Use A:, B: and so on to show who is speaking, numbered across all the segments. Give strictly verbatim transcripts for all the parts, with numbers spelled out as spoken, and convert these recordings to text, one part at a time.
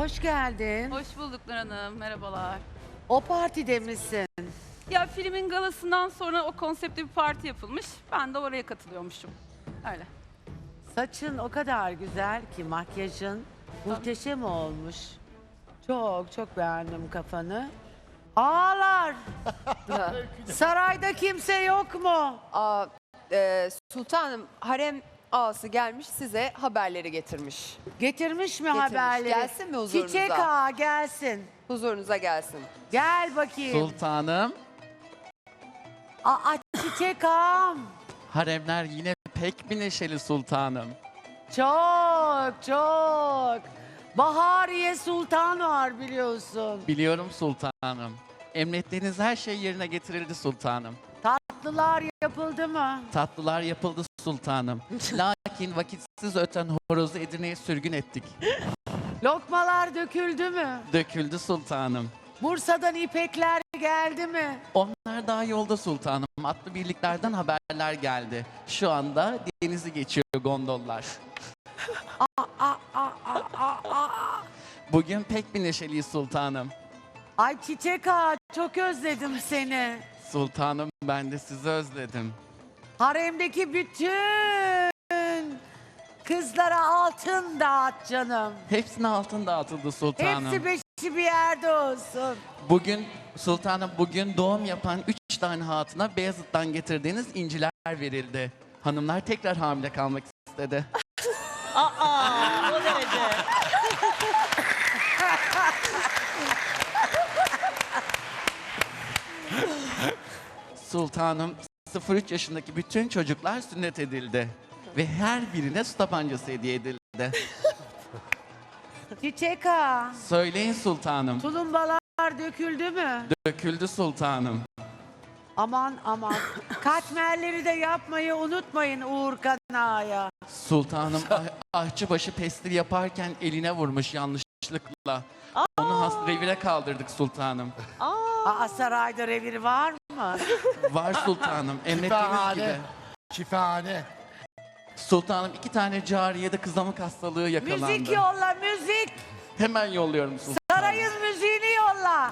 A: Hoş geldin.
B: Hoş bulduk Nur Hanım, merhabalar.
A: O partide misin?
B: Ya filmin galasından sonra o konseptli bir parti yapılmış. Ben de oraya katılıyormuşum. Öyle.
A: Saçın o kadar güzel ki makyajın muhteşem olmuş. Çok çok beğendim kafanı. Ağlar. Sarayda kimse yok mu?
C: Aa, e, sultanım harem ağası gelmiş size haberleri getirmiş.
A: Getirmiş mi
C: Getirmiş.
A: haberleri?
C: Gelsin mi huzurunuza?
A: Çiçek ağa gelsin.
C: Huzurunuza gelsin.
A: Gel bakayım.
D: Sultanım,
A: Aa, çiçek ağam.
D: haremler yine pek bir neşeli sultanım.
A: Çok çok. Bahariye Sultan var biliyorsun.
D: Biliyorum sultanım. Emrettiğiniz her şey yerine getirildi sultanım.
A: Tatlılar yapıldı mı?
D: Tatlılar yapıldı sultanım. Lakin vakitsiz öten horozu Edirne'ye sürgün ettik.
A: Lokmalar döküldü mü?
D: Döküldü sultanım.
A: Bursa'dan ipekler geldi mi?
D: Onlar daha yolda sultanım. Atlı birliklerden haberler geldi. Şu anda denizi geçiyor gondollar.
A: Aa, aa, aa, aa, aa.
D: Bugün pek bir neşeliyiz sultanım.
A: Ay Çiçek Ağa çok özledim seni.
D: Sultanım ben de sizi özledim.
A: Haremdeki bütün kızlara altın dağıt canım.
D: Hepsine altın dağıtıldı sultanım.
A: Hepsi beşi bir yerde olsun.
D: Bugün sultanım bugün doğum yapan üç tane hatuna Beyazıt'tan getirdiğiniz inciler verildi. Hanımlar tekrar hamile kalmak istedi.
E: Aa, o derece.
D: Sultanım sıfır üç yaşındaki bütün çocuklar sünnet edildi. Ve her birine su tabancası hediye edildi.
A: Çiçek Ağa,
D: Söyleyin sultanım.
A: tulumbalar döküldü mü?
D: Döküldü sultanım.
A: Aman aman. Katmerleri de yapmayı unutmayın Uğur Kanağa'ya.
D: Sultanım ah, ahçıbaşı pestil yaparken eline vurmuş yanlışlıkla. Onu has revire kaldırdık sultanım.
A: Aa, sarayda revir var mı?
D: Var sultanım emrettiğiniz gibi.
F: Şifahane. Şifahane.
D: Sultanım iki tane cariyede kızamık hastalığı yakalandı.
A: Müzik yolla müzik.
D: Hemen yolluyorum sultanım.
A: Sarayın müziğini yolla.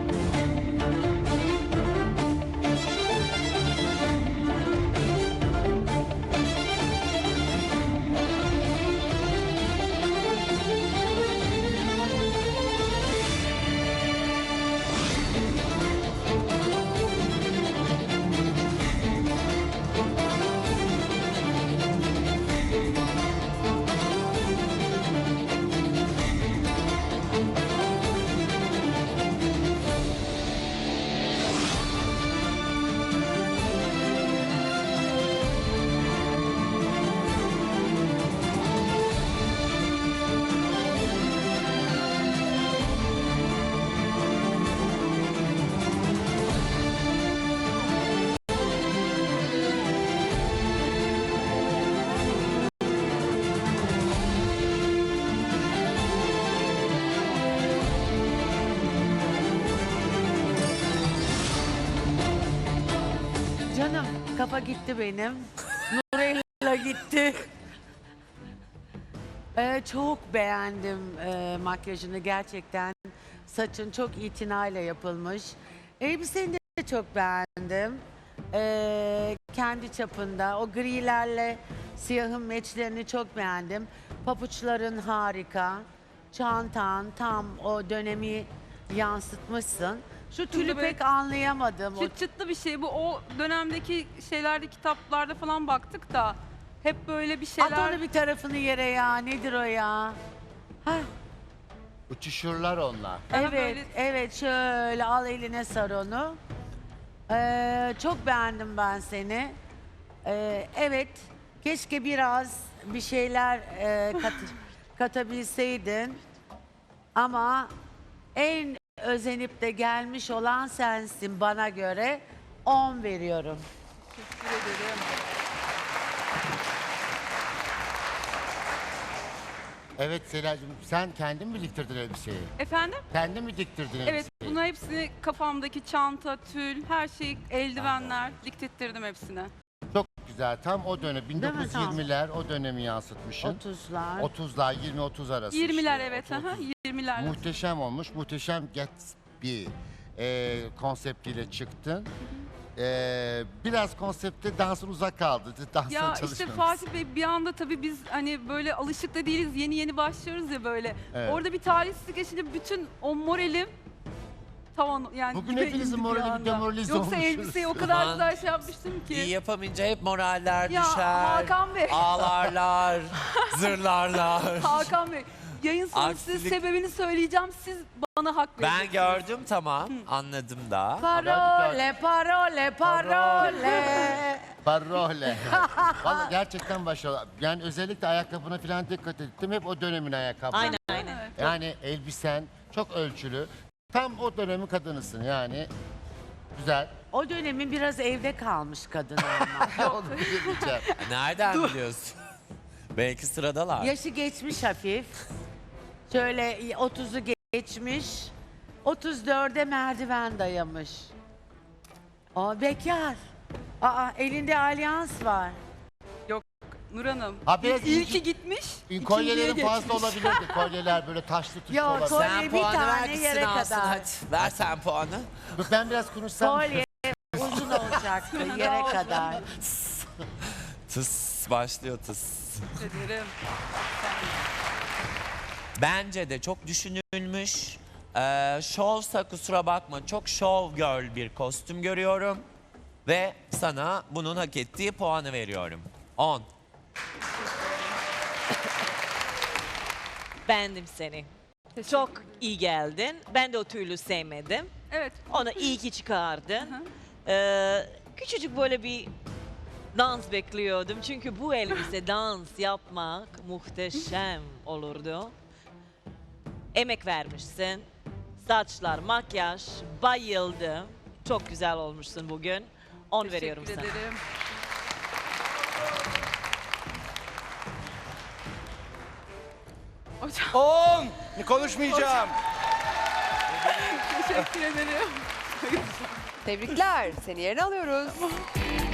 A: Canım kafa gitti benim. Nurella gitti. Ee, çok beğendim e, makyajını gerçekten. Saçın çok itinayla yapılmış. Elbiseni de çok beğendim. Ee, kendi çapında. O grilerle siyahın meçlerini çok beğendim. Papuçların harika. Çantan tam o dönemi yansıtmışsın. Şu tülü
B: böyle
A: pek anlayamadım. O
B: Çıt çıtlı bir şey bu. O dönemdeki şeylerde, kitaplarda falan baktık da hep böyle bir
A: At
B: şeyler.
A: onu bir tarafını yere ya. Nedir o ya? Hah,
F: Uçuşurlar onlar.
B: Daha
A: evet,
B: böyle-
A: evet. Şöyle al eline sar onu. Ee, çok beğendim ben seni. Ee, evet, keşke biraz bir şeyler e, kat, katabilseydin. Ama en özenip de gelmiş olan sensin bana göre. on veriyorum.
B: Teşekkür ederim.
F: Evet Selacığım, sen kendin mi diktirdin elbiseyi?
B: Efendim?
F: Kendin mi diktirdin
B: Evet,
F: elbiseyi?
B: bunlar hepsini kafamdaki çanta, tül, her şey, eldivenler diktettirdim hepsine.
F: Çok güzel. Tam o dönem bin dokuz yüz
A: Tam.
F: yirmiler o dönemi yansıtmışsın.
A: otuzlar.
F: otuzlar yirmi otuz arası.
B: yirmiler
F: işte.
B: evet.
F: otuz,
B: aha,
F: otuz.
B: yirmiler.
F: Muhteşem olmuş. Muhteşem Gatsby e, konseptiyle çıktın. E, biraz konsepte dansın uzak kaldı. Dansın
B: Ya işte
F: çalışmamışsın.
B: Fatih Bey bir anda tabii biz hani böyle alışık da değiliz. Yeni yeni başlıyoruz ya böyle.
F: Evet.
B: Orada bir talihsizlik yaşayınca bütün o moralim tavan yani
F: Bugün
B: dibe
F: hepinizin
B: indi bir
F: morali bir
B: anda.
F: demoralize
B: Yoksa
F: olmuşuz.
B: elbiseyi o kadar
G: Aman.
B: güzel şey yapmıştım ki.
G: İyi yapamayınca hep moraller
B: Ya
G: düşer.
B: Hakan Bey.
G: Ağlarlar, zırlarlar.
B: Hakan Bey, yayın sonu size
G: Aksilik-
B: sebebini söyleyeceğim. Siz bana hak
G: Ben
B: vereceksiniz.
G: gördüm tamam, anladım da.
A: Parole, parole, parole.
F: Parole. Valla gerçekten başarılı. Yani özellikle ayakkabına falan dikkat ettim. Hep o dönemin ayakkabı.
E: Aynen aynen.
F: Yani elbisen çok ölçülü. Tam o dönemin kadınısın yani. Güzel.
A: O dönemin biraz evde kalmış kadın ama.
F: Onu diyeceğim.
G: Nereden biliyorsun? Belki sıradalar.
A: Yaşı geçmiş hafif. Şöyle otuzu geçmiş. otuz dörde merdiven dayamış. Aa bekar. Aa elinde alyans var.
B: Nur Hanım.
F: Ha, biraz
B: İyi
F: inci-
B: ki gitmiş. ikinciye
F: Kolyelerin fazla
B: geçmiş.
F: olabilirdi. Kolyeler böyle taşlı tuşlu
A: Yok,
F: olabilir.
A: kolye-
G: Sen
A: bir
G: puanı
A: tane
G: ver gitsin
A: yere
G: alsın
A: kadar.
G: hadi. Ver sen puanı.
F: Dur, ben biraz konuşsam.
A: Kolye uzun olacaktı yere kadar.
G: Tıs başlıyor tıs.
B: Ederim.
G: Bence de çok düşünülmüş. Ee, şovsa kusura bakma çok şov girl bir kostüm görüyorum. Ve sana bunun hak ettiği puanı veriyorum. on.
E: Beğendim seni. Çok iyi geldin. Ben de o tüylü sevmedim.
B: Evet.
E: Onu iyi ki çıkardın.
B: Hı.
E: Ee, küçücük böyle bir dans bekliyordum. Çünkü bu elbise dans yapmak muhteşem olurdu. Emek vermişsin. Saçlar, makyaj, bayıldım. Çok güzel olmuşsun bugün. on veriyorum
B: Teşekkür
E: sana.
B: ederim. Hocam
H: on. Konuşmayacağım.
B: teşekkür ederim.
C: Tebrikler. Seni yerine alıyoruz.